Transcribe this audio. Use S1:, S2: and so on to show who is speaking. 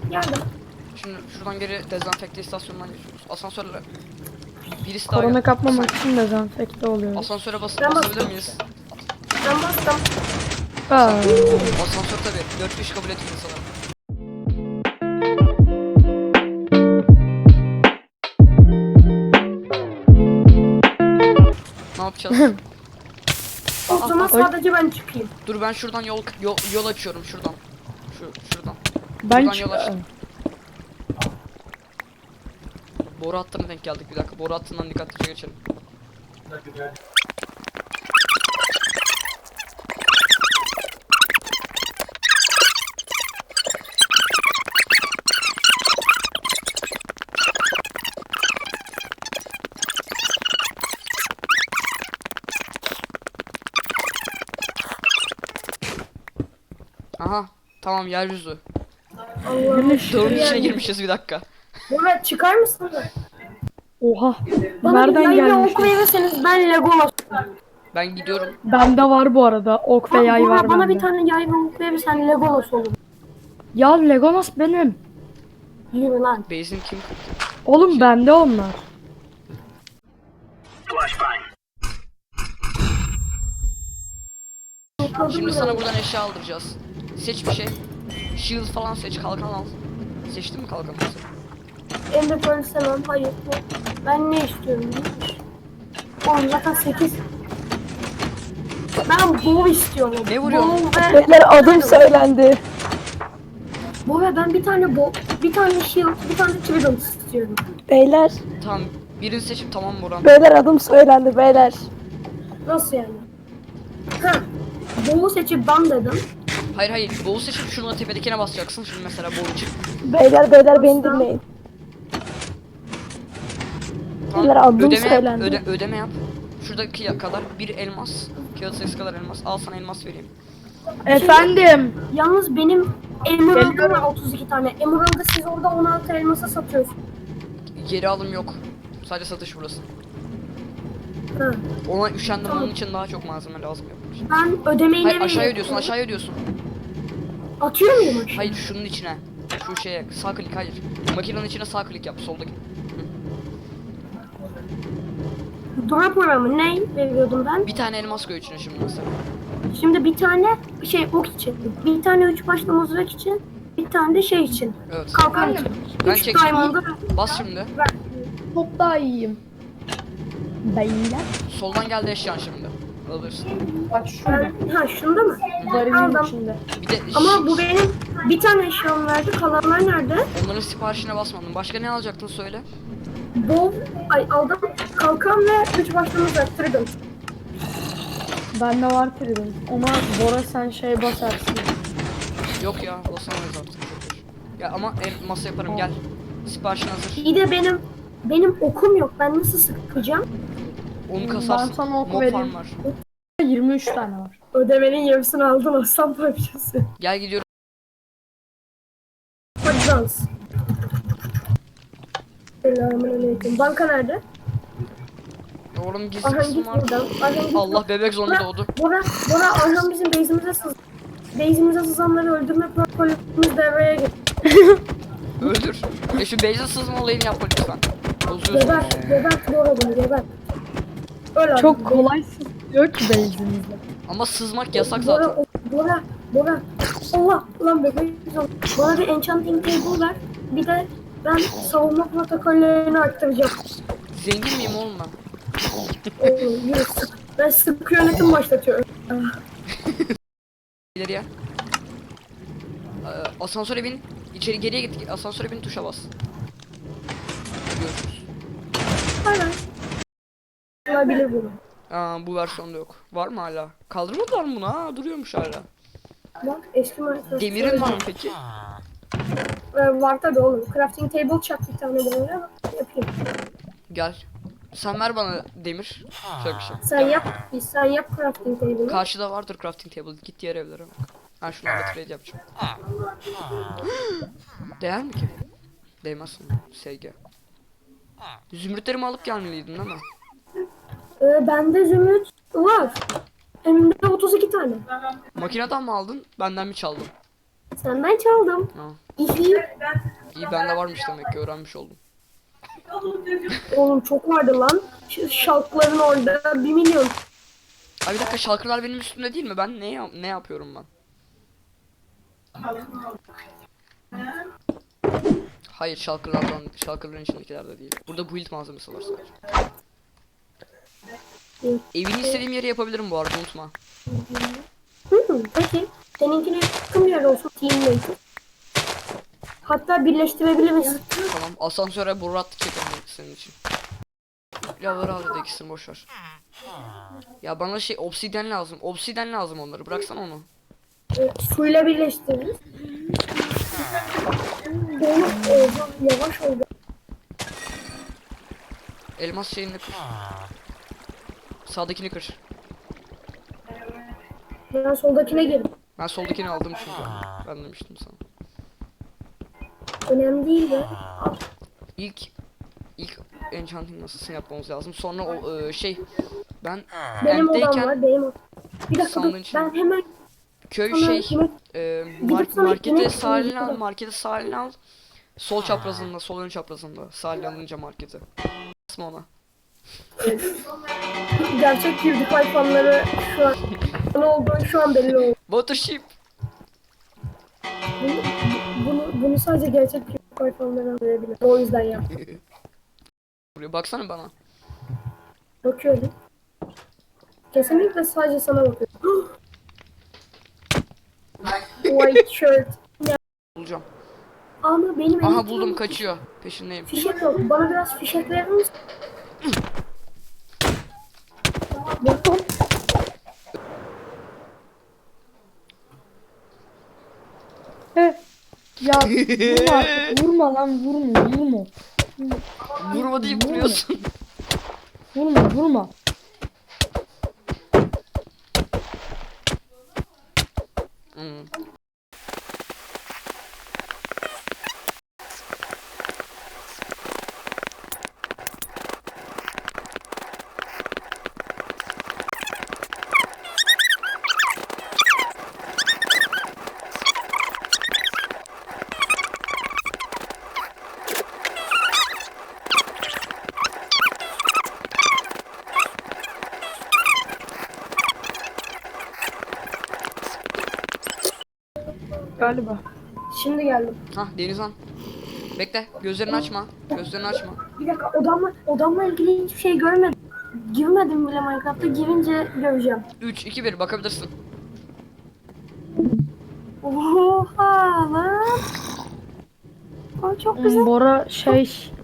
S1: Geldim.
S2: Şimdi şuradan geri dezenfekte istasyonundan geçiyoruz. Asansörle. Birisi daha
S3: Korona
S2: gel.
S3: kapmamak için dezenfekte oluyoruz.
S2: Asansöre
S1: Ben
S2: basabilir
S1: bastım.
S2: miyiz?
S1: Ben bastım.
S3: Aa,
S2: Asansör tabii. 4 kişi kabul etmiyor sanırım. Ne yapacağız?
S1: O zaman sadece ben çıkayım.
S2: Dur ben şuradan yol açıyorum şuradan. Şuradan.
S3: ben
S2: Buradan yol açtım. Boru hattına denk geldik bir dakika. Boru hattından dikkatlice geçelim. Aha. Tamam yeryüzü.
S1: Allah'ım.
S2: Dağın içine girmişiz bir dakika.
S1: Murat çıkar mısın?
S3: Oha.
S1: Bana
S3: Nereden
S1: bir ok
S3: gelmiş?
S1: verirseniz ben Legolas.
S2: Ben gidiyorum.
S3: Bende var bu arada. Ok ve yay var
S1: Bana
S3: bende.
S1: bir tane yay ve ok verirsen Legolas olur.
S3: Ya Legolas benim.
S1: Yürü lan.
S2: Base'in kim?
S3: Oğlum bende onlar.
S2: Şimdi sana buradan eşya aldıracağız. Seç bir şey. Shield falan seç, kalkan al. Seçtin mi kalkanı?
S1: Ender Pearl istemem. Hayır. Ben ne istiyorum? Oğlum zaten 8. Ben bow istiyorum.
S2: Ne vuruyorsun?
S1: Bow ve...
S3: Beyler adım söylendi.
S1: Bow ve ben bir tane bow, bir tane shield, bir tane trident istiyorum.
S4: Beyler,
S2: Tamam, birini seçip tamam Boran.
S4: beyler adım söylendi beyler.
S1: Nasıl yani? Ha. Bow'u seçip ben dedim.
S2: Hayır, bow seçip şunu tepedekine basacaksın. Şimdi mesela bow için.
S4: Beyler beni dinleyin. Beyler, adım söylendi.
S2: Ödeme yap. Şuradaki kadar bir elmas. Kağıt sayısı kadar elmas. Al sana elmas vereyim.
S3: Efendim.
S1: Yalnız benim Emerald'ım var 32 tane. Emerald'ı siz orada 16 elmasa satıyorsunuz.
S2: Geri alım yok. Sadece satış burası.
S1: Ha.
S2: Ona üşendim, onun için daha çok malzeme lazım yapmış.
S1: Ben ödemeyi
S2: Hayır
S1: nereye
S2: aşağıya ödüyorsun, aşağıya ödüyorsun.
S1: atıyor muyum aşağı?
S2: Hayır şunun içine. Şu şeye sağ klik, hayır. Makinenin içine sağ klik yap soldaki.
S1: Drop programı ne veriyordum ben?
S2: Bir tane elmas koy içine şimdi mesela.
S1: Şimdi bir tane ok için, bir tane 3 başlı mızrak için, bir tane de şey için.
S2: Evet.
S1: Kalkan için.
S2: Ben
S1: 3
S2: çekeceğim.
S1: diamond'ı
S2: Bas şimdi.
S3: Çok daha iyiyim. Beyler.
S2: Soldan geldi eşyan şimdi. Alırsın.
S3: Bak şurada.
S1: ha şunda mı?
S3: Varilin
S1: Aldım.
S3: içinde.
S2: Bir de
S1: Ama bu benim bir tane eşyam verdi. Kalanlar nerede?
S2: onların siparişine basmadın. Başka ne alacaktın söyle.
S1: Aldım. Kalkan ve 3 başlı mızrak. Trident.
S3: Bende var trident. Ama Bora sen şey basarsın.
S2: Yok ya, basamayız artık. Ya ama masa yaparım gel. Siparişin hazır.
S1: İyi de benim okum yok. Ben nasıl sıkacağım?
S2: Onu kasarsın.
S3: Ben sana ok
S2: Mob
S3: vereyim.
S2: farm var.
S3: 23 tane var.
S1: Ödemenin yarısını aldım aslan parçası.
S2: Gel gidiyorum.
S1: Hadi dans. Selamünaleyküm. Banka nerede?
S2: Oğlum gizli
S1: Arhan
S2: kısım
S1: git
S2: var.
S1: buradan. Arhan git.
S2: Allah bebek zombi doğdu.
S1: Bora Arhan bizim base'imize sızanları öldürme protokolümüz devreye gir.
S2: Öldür. Ya şu base'e sızma olayını yapma lütfen. Bozuyorsun.
S1: Gebert Bora bunu gebert. Öyle abi.
S3: Çok kolay diyor ki base'imizde.
S2: Ama sızmak yasak zaten.
S1: Bora. Allah lan bebek zombi. Bana bir enchanting table ver. Bir de ben savunma protokollerini arttıracağım.
S2: Zengin miyim oğlum ben?
S1: Yürü sık. Ben sık yönetim başlatıyorum.
S2: İleriye. Asansöre bin. İçeri geriye git. Asansöre bin, tuşa bas. Görüşürüz.
S1: Aynen. Olabilir bunu.
S2: Bu versiyonda yok. Var mı hala? Kaldırmadılar mı bunu? Ha, duruyormuş hala.
S1: Bak eski Minecraft.
S2: Demirin var mı peki?
S1: Var tabi oğlum. Crafting table çak bir tane buraya. Yapayım.
S2: Gel. Sen ver bana demir. Şöyle bir şey.
S1: Sen yap crafting table'ı.
S2: Karşıda vardır crafting table. Git diğer evlere bak. Ben şunlarla trade yapacağım. Değer mi ki? Değmez sana. SG. Zümrütlerimi alıp gelmeliydin değil mi?
S1: Bende zümrüt var. Hem de 32 tane.
S2: Makineden mi aldın? Benden mi çaldın?
S1: Senden çaldım.
S2: Ha.
S1: İyi.
S2: İyi bende varmış demek ki öğrenmiş oldum.
S1: Oğlum çok vardı lan. Şu şalkların orada 1 milyon.
S2: Ay bir dakika şalkırlar benim üstümde değil mi? Ben ne yapıyorum ben? Hayır şalkırların içindekilerde değil. Burada build malzemesi var sadece. Evini istediğim yere yapabilirim bu arada unutma.
S1: Peki. Seninkine yakın bir yer olsun. Teammate. Hatta birleştirebiliriz.
S2: Tamam asansöre boru attık çekelim senin için. Lavları al dedi ikisini boşver. Ya bana şey obsidyen lazım. Obsidyen lazım onları. Bıraksana onu.
S1: Suyla birleştiririz. Oğlum yavaş oldu.
S2: Elmas şeyini kır. Sağdakini kır.
S1: Ben soldakine girdim.
S2: Ben soldakini aldım çünkü. Ben demiştim sana.
S1: Önemli değil de.
S2: İlk enchanting masasını yapmamız lazım. Sonra o ben
S1: Benim odam
S2: Ent'teyken
S1: var. Benim odam. Bir dakika
S2: sandığın
S1: dur.
S2: içinde.
S1: Ben hemen
S2: köy
S1: sana
S2: şey
S1: yemek- sana
S2: markete
S1: yemek
S2: sahilini al,
S1: yapayım.
S2: markete sahilini al. Sol çaprazında, sol ön çaprazında. Sahil alınca markete. Basma ona.
S1: gerçek PewDiePie fanları şu an ne olduğu şu an belli oldu.
S2: Watership.
S1: Bunu sadece gerçek PewDiePie fanları anlayabilir. O yüzden yaptım.
S2: Buraya baksana bana.
S1: Bakıyorum. Kesinlikle sadece sana bakıyorum. White shirt.
S2: Bulacağım.
S1: Ama benim
S2: Aha
S1: elim
S2: buldum kaçıyor. Peşindeyim.
S1: fişek yok. Bana biraz fişek verir misin? Buldum.
S3: Heh. Ya vurma artık. Vurma lan vurma.
S2: Vurma deyip vuruyorsun.
S3: Vurma.
S2: Hmm.
S3: Galiba.
S1: Şimdi geldim.
S2: Hah Denizhan. Bekle. Gözlerini açma. Gözlerini açma.
S1: Bir dakika odamla ilgili hiçbir şey görmedim. Girmedim bile Minecraft'a. Girince göreceğim.
S2: 3 2 1 bakabilirsin.
S1: Oha lan. O çok güzel.
S3: Bora şey